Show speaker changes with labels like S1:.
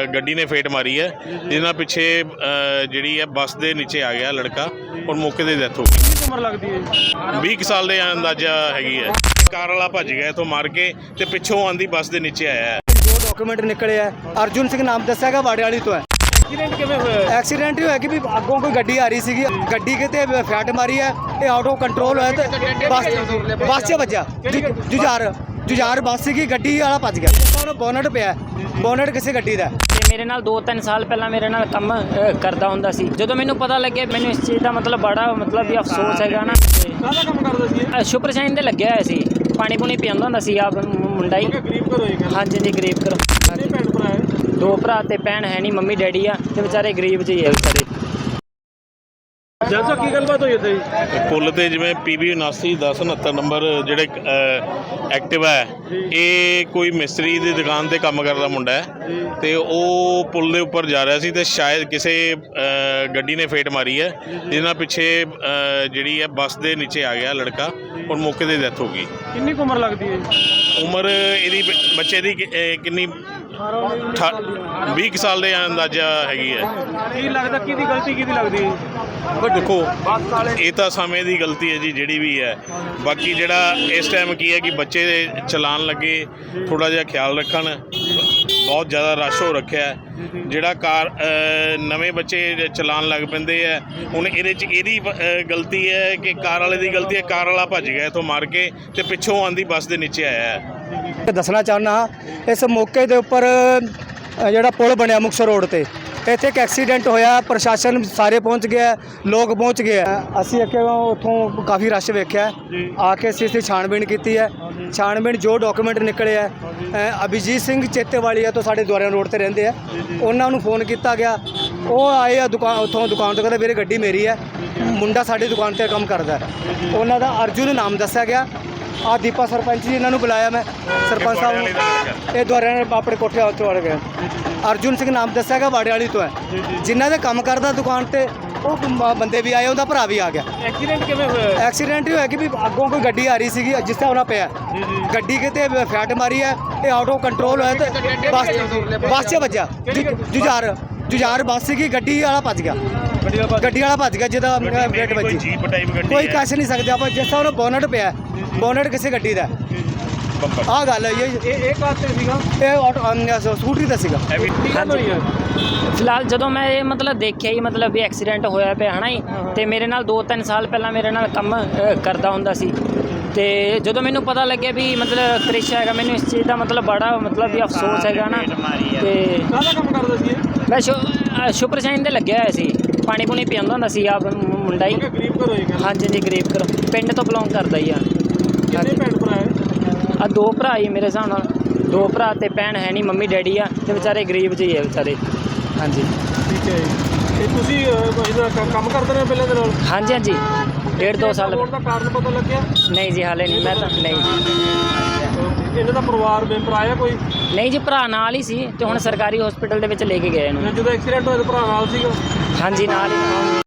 S1: ਗੱਡੀ ने फेट मारी है जिन्ना पिछे जी है बस के नीचे आ गया लड़का और मौके की डेथ हो गई।
S2: उम्र लगती है
S1: 20 साल के अंदाजा हैगी है। कार वाला भज गया इथों मार के ते पिछों आंदी बस के नीचे आया है।
S3: जो डॉक्यूमेंट निकले है अर्जुन सिंह नाम दसा है वाड़े वाली तो है।
S2: एक्सीडेंट किवें होया?
S3: एक्सीडेंट ही होया कि भी अगों कोई गड्डी आ रही सी गड्डी के ते फैट मारी है ये आउट ऑफ कंट्रोल होया ते बस च वज्जा जुझार बस सी गड्डी वाला भज गया बोनट पिया बोनट किसी गड्डी का।
S4: मेरे नाल 2-3 साल पहला मेरे नाल काम करदा हुंदा सी। ਜਦੋਂ ਮੈਨੂੰ ਪਤਾ ਲੱਗਿਆ ਮੈਨੂੰ ਇਸ ਚੀਜ਼ ਦਾ ਮਤਲਬ ਬੜਾ ਵੀ ਅਫਸੋਸ ਹੈਗਾ ਨਾ।
S2: ਕਾਹਦਾ ਕੰਮ ਕਰਦਾ ਸੀ?
S4: ਸ਼ੁਪਰ ਸ਼ਾਈਨ ਤੇ ਲੱਗਿਆ ਹੋਇਆ ਸੀ, ਪਾਣੀ ਪੂਣੀ ਪੀਂਦਾ ਹੁੰਦਾ ਸੀ ਆਪ ਮੁੰਡਾ ਹੀ।
S2: ਗਰੀਬ ਘਰੋਂ ਹੀ ਗੱਲ।
S4: ਹਾਂਜੀ ਜੀ ਗਰੀਬ ਘਰੋਂ।
S2: ਕਿੰਨੇ ਭੈਣ ਭਰਾ ਹੈ?
S4: 2 ਭਰਾ ਤੇ ਭੈਣ ਹੈ ਨਹੀਂ, ਮੰਮੀ ਡੈਡੀ ਆ ਤੇ ਵਿਚਾਰੇ ਗਰੀਬ ਜਿਹੇ ਆ ਵਿਚਾਰੇ।
S2: ਜੱਜ ਕੀ ਗੱਲਬਾਤ ਹੋਈ ਇੱਥੇ ਜੀ?
S1: ਪੁੱਲ ਤੇ ਜਿਵੇਂ PB 79 ਨੰਬਰ ਜਿਹੜੇ ਐਕਟਿਵਾ ਹੈ ਇਹ ਕੋਈ ਮਿਸਤਰੀ ਦੀ ਦੁਕਾਨ ਤੇ ਕੰਮ ਕਰਦਾ ਮੁੰਡਾ ਹੈ ਤੇ ਉਹ ਪੁੱਲ ਦੇ ਉੱਪਰ ਜਾ ਰਿਹਾ ਸੀ ਤੇ ਸ਼ਾਇਦ ਕਿਸੇ ਗੱਡੀ ਨੇ ਫੇਟ ਮਾਰੀ ਹੈ ਜਿੰਨਾ ਪਿੱਛੇ ਜਿਹੜੀ ਹੈ ਬੱਸ ਦੇ ਨੀਚੇ ਆ ਗਿਆ ਲੜਕਾ ਔਰ ਮੌਕੇ ਤੇ ਡੈਥ ਹੋ ਗਈ।
S2: ਕਿੰਨੀ ਕੁ ਉਮਰ ਲੱਗਦੀ ਹੈ?
S1: ਉਮਰ ਇਹਦੀ ਬੱਚੇ ਦੀ ਕਿੰਨੀ 20 ਸਾਲ ਦੇ ਅੰਦਾਜ਼ਾ ਹੈਗੀ ਹੈ।
S2: ਕੀ ਲੱਗਦਾ ਕਿਹਦੀ ਗਲਤੀ ਕਿਹਦੀ ਲੱਗਦੀ ਹੈ?
S1: ਪਰ ਦੇਖੋ ਇਹ ਤਾਂ ਸਮੇਂ ਦੀ ਗਲਤੀ ਹੈ ਜੀ ਜਿਹੜੀ ਵੀ ਹੈ। ਬਾਕੀ ਜਿਹੜਾ ਇਸ ਟਾਈਮ ਕੀ ਹੈ ਕਿ ਬੱਚੇ ਚਲਾਉਣ ਲੱਗੇ ਥੋੜ੍ਹਾ ਜਿਹਾ ਖਿਆਲ ਰੱਖਣ। ਬਹੁਤ ਜ਼ਿਆਦਾ ਰਸ਼ ਹੋ ਰੱਖਿਆ ਜਿਹੜਾ ਕਾਰ ਨਵੇਂ ਬੱਚੇ ਚਲਾਉਣ ਲੱਗ ਪੈਂਦੇ ਹੈ। ਹੁਣ ਇਹਦੇ 'ਚ ਇਹਦੀ ਗਲਤੀ ਹੈ ਕਿ ਕਾਰ ਵਾਲੇ ਦੀ ਗਲਤੀ ਹੈ। ਕਾਰ ਵਾਲਾ ਭੱਜ ਗਿਆ ਇੱਥੋਂ ਮਾਰ ਕੇ ਤੇ ਪਿੱਛੋਂ ਆਂਦੀ ਬੱਸ ਦੇ ਨੀਚੇ ਆਇਆ ਹੈ।
S3: ਦੱਸਣਾ ਚਾਹੁੰਦਾ ਇਸ ਮੌਕੇ ਦੇ ਉੱਪਰ ਜਿਹੜਾ ਪੁਲ ਬਣਿਆ ਮੁਕਤਸਰ ਰੋਡ ਤੇ ਇੱਥੇ ਇੱਕ ਐਕਸੀਡੈਂਟ ਹੋਇਆ। ਪ੍ਰਸ਼ਾਸਨ ਸਾਰੇ ਪਹੁੰਚ ਗਿਆ, ਲੋਕ ਪਹੁੰਚ ਗਏ। ਅਸੀਂ ਅੱਗੇ ਉੱਥੋਂ ਕਾਫੀ ਰਸ਼ ਵੇਖਿਆ ਆ ਕੇ ਅਸੀਂ ਇੱਥੇ ਛਾਣਬੀਣ ਕੀਤੀ ਹੈ। ਛਾਣਬੀਣ ਜੋ ਡਾਕੂਮੈਂਟ ਨਿਕਲੇ ਹੈ ਅਭਿਜੀਤ ਸਿੰਘ ਚੇਤੇਵਾਲੀਆ ਤੋਂ ਸਾਡੇ ਦੁਆਰਿਆਂ ਰੋਡ ਤੇ ਰਹਿੰਦੇ ਆ ਉਹਨਾਂ ਨੂੰ ਫੋਨ ਕੀਤਾ ਗਿਆ। ਉਹ ਆਏ ਆ ਦੁਕਾਨ ਤੋਂ ਕਹਿੰਦੇ ਵੀਰੇ ਗੱਡੀ ਮੇਰੀ ਹੈ, ਮੁੰਡਾ ਸਾਡੀ ਦੁਕਾਨ ਤੇ ਕੰਮ ਕਰਦਾ। ਉਹਨਾਂ ਦਾ ਅਰਜੁਨ ਨਾਮ ਦੱਸਿਆ ਗਿਆ। ਆ ਦੀਪਾ ਸਰਪੰਚ ਜੀ ਇਹਨਾਂ ਨੂੰ ਬੁਲਾਇਆ ਮੈਂ ਸਰਪੰਚ ਸਾਹਿਬ ਨੂੰ। ਇਹ ਦੁਆਰਿਆਂ ਨੇ ਆਪਣੇ ਕੋਠੇ ਉੱਤੇ ਵੜ ਗਏ। ਅਰਜੁਨ ਸਿੰਘ ਨਾਮ ਦੱਸਿਆ ਗਿਆ ਵਾੜੇ ਵਾਲੀ ਤੋਂ ਹੈ ਜਿਨ੍ਹਾਂ ਦੇ ਕੰਮ ਕਰਦਾ ਦੁਕਾਨ ਤੇ ਉਹ ਬੰਦੇ ਵੀ ਆਏ, ਉਹਦਾ ਭਰਾ ਵੀ ਆ ਗਿਆ।
S2: ਐਕਸੀਡੈਂਟ ਕਿਵੇਂ ਹੋਇਆ?
S3: ਐਕਸੀਡੈਂਟ ਹੀ ਹੋਇਆ ਕਿ ਵੀ ਅੱਗੋਂ ਕੋਈ ਗੱਡੀ ਆ ਰਹੀ ਸੀਗੀ ਜਿਸ ਤਰ੍ਹਾਂ ਉਹਨਾਂ ਪਿਆ ਗੱਡੀ ਕਿਤੇ ਫੈਟ ਮਾਰੀ ਹੈ ਇਹ ਆਊਟ ਆਫ ਕੰਟਰੋਲ ਹੋਇਆ ਤੇ ਬਸ 'ਚ ਵੱਜਾ ਜੁਝਾਰ ਬੱਸ ਸੀਗੀ ਗੱਡੀ ਵਾਲਾ ਭੱਜ ਗਿਆ। ਗੱਡੀ ਵਾਲਾ ਭੱਜ ਗਿਆ ਜਿਹਦਾ ਵੇਟ ਵੱਜੀ।
S1: ਜੀਪ ਟਾਈਪ ਗੱਡੀ
S3: ਕੋਈ ਕਹਿ ਨਹੀਂ ਸਕਦੇ ਆਪਾਂ ਜਿਸ ਤਰ੍ਹਾਂ ਉਹਨੂੰ ਬੋਨਟ ਪਿਆ ਬੋਨਟ ਕਿਸੇ ਗੱਡੀ ਦਾ। ਆਹ ਗੱਲ ਹੈ
S2: ਇਹ ਕਾਰ ਤੇ ਸੀਗਾ?
S3: ਇਹ ਸਕੂਟਰੀ ਦਾ ਸੀਗਾ।
S4: ਫਿਲਹਾਲ ਜਦੋਂ ਮੈਂ ਇਹ ਮਤਲਬ ਦੇਖਿਆ ਹੀ ਮਤਲਬ ਵੀ ਐਕਸੀਡੈਂਟ ਹੋਇਆ ਪਿਆ ਹੈ ਨਾ ਜੀ ਤੇ ਮੇਰੇ ਨਾਲ 2-3 ਸਾਲ ਪਹਿਲਾਂ ਮੇਰੇ ਨਾਲ ਕੰਮ ਕਰਦਾ ਹੁੰਦਾ ਸੀ ਤੇ ਜਦੋਂ ਮੈਨੂੰ ਪਤਾ ਲੱਗਿਆ ਵੀ ਮਤਲਬ ਕ੍ਰਿਸ਼ ਹੈਗਾ ਮੈਨੂੰ ਇਸ ਚੀਜ਼ ਦਾ ਮਤਲਬ ਬੜਾ ਵੀ ਅਫਸੋਸ ਹੈਗਾ ਨਾ। ਤੇ
S2: ਕਾਹਦਾ ਕੰਮ ਕਰਦਾ ਸੀ?
S4: ਮੈਂ ਸ਼ੁਪਰ ਸ਼ਾਈਨ ਤੇ ਲੱਗਿਆ ਹੋਇਆ ਸੀ, ਪਾਣੀ ਪੂਣੀ ਪੀਂਦਾ ਹੁੰਦਾ ਸੀ ਆਪ ਮੁੰਡਾ ਹੀ।
S2: ਗਰੀਬ ਘਰੋਂ ਹੀ ਗੱਲ।
S4: ਹਾਂਜੀ ਜੀ ਗਰੀਬ ਘਰੋਂ, ਪਿੰਡ ਤੋਂ ਬਿਲੋਂਗ ਕਰਦਾ ਹੀ ਆ।
S2: ਕਿੰਨੇ ਭੈਣ ਭਰਾ ਹੈ?
S4: 2 ਭਰਾ ਹੀ ਮੇਰੇ ਹਿਸਾਬ ਨਾਲ। 2 ਭਰਾ ਤੇ ਭੈਣ ਹੈ ਨਹੀਂ, ਮੰਮੀ ਡੈਡੀ ਆ ਤੇ ਵਿਚਾਰੇ ਗਰੀਬ ਜਿਹੇ ਆ ਵਿਚਾਰੇ। ਹਾਂਜੀ
S2: ਠੀਕ ਹੈ ਜੀ। ਤੇ ਤੁਸੀਂ ਇਹਦਾ ਕੰਮ ਕਰਦੇ ਰਹੇ ਪਹਿਲਾਂ ਦੇ ਨਾਲ?
S4: ਹਾਂਜੀ ਹਾਂਜੀ 1.5-2 ਸਾਲ।
S2: ਦਾ ਕਾਰਨ ਪਤਾ ਲੱਗਿਆ?
S4: ਨਹੀਂ ਜੀ ਹਾਲੇ ਨਹੀਂ, ਮੈਂ ਤਾਂ ਨਹੀਂ
S2: ਇਹਨਾਂ ਦਾ ਪਰਿਵਾਰ ਮੈਂਬਰ ਆਇਆ ਕੋਈ?
S4: ਨਹੀਂ ਜੀ ਭਰਾ ਨਾਲ ਹੀ ਸੀ ਤੇ ਹੁਣ ਸਰਕਾਰੀ ਹਸਪੀਟਲ ਦੇ ਵਿੱਚ ਲੈ ਕੇ ਗਏ ਇਹਨੂੰ।
S2: ਜਦੋਂ ਐਕਸੀਡੈਂਟ ਹੋਇਆ ਤਾਂ ਭਰਾ ਨਾਲ ਸੀਗਾ?
S4: ਹਾਂਜੀ ਨਾਲ ਹੀ।